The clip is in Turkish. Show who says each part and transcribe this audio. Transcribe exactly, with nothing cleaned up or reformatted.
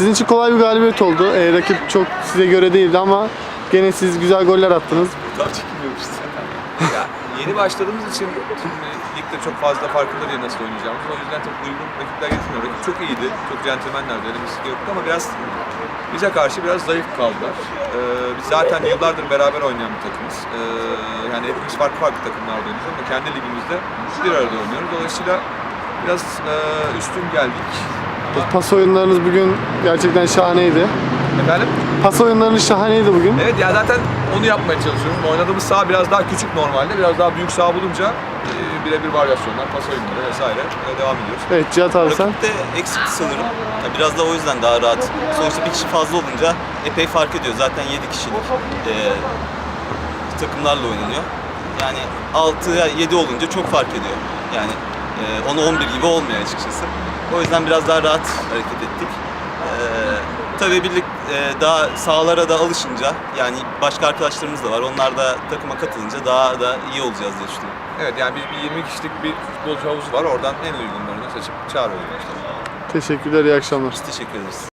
Speaker 1: Sizin için kolay bir galibiyet oldu. Ee, rakip çok size göre değildi ama gene siz güzel goller attınız.
Speaker 2: Tam çekilmiyormuş zaten. Ya, yeni başladığımız için şimdi ligde çok fazla farkında değil nasıl oynayacağımız. O yüzden çok uygun rakipler getirmiyor. Rakip çok iyiydi. Çok centilmenlerdi. Öyle bir şey yoktu ama biraz bize karşı biraz zayıf kaldılar. Ee, biz zaten yıllardır beraber oynayan bir takımız. Ee, yani hepimiz farklı farklı takımlarda oynuyoruz ama kendi ligimizde bir arada oynuyoruz. Dolayısıyla biraz e, üstün geldik.
Speaker 1: Pas oyunlarınız bugün gerçekten şahaneydi.
Speaker 2: Efendim?
Speaker 1: Pas oyunlarınız şahaneydi bugün.
Speaker 2: Evet ya zaten onu yapmaya çalışıyoruz. Oynadığımız saha biraz daha küçük normalde. Biraz daha büyük saha bulunca e, birebir varyasyonlar, pas oyunları vesaire e, devam ediyoruz.
Speaker 1: Evet Cihat abi sen.
Speaker 3: Rakip de eksikti sanırım. Ya biraz da o yüzden daha rahat. Sonuçta bir kişi fazla olunca epey fark ediyor. Zaten yedi kişilik e, takımlarla oynanıyor. Yani altıya yedi olunca çok fark ediyor. Yani e, onu on bir gibi olmuyor açıkçası. O yüzden biraz daha rahat hareket ettik. E, tabii birlik e, daha sahalara da alışınca, yani başka arkadaşlarımız da var. Onlar da takıma katılınca daha da iyi olacağız diye düşünüyorum.
Speaker 2: Evet yani biz bir yirmi kişilik bir futbolcu havuzu var. Oradan en uygunlarını seçip çağırıyoruz işte.
Speaker 1: Teşekkürler, iyi akşamlar.
Speaker 3: Biz teşekkür ederiz.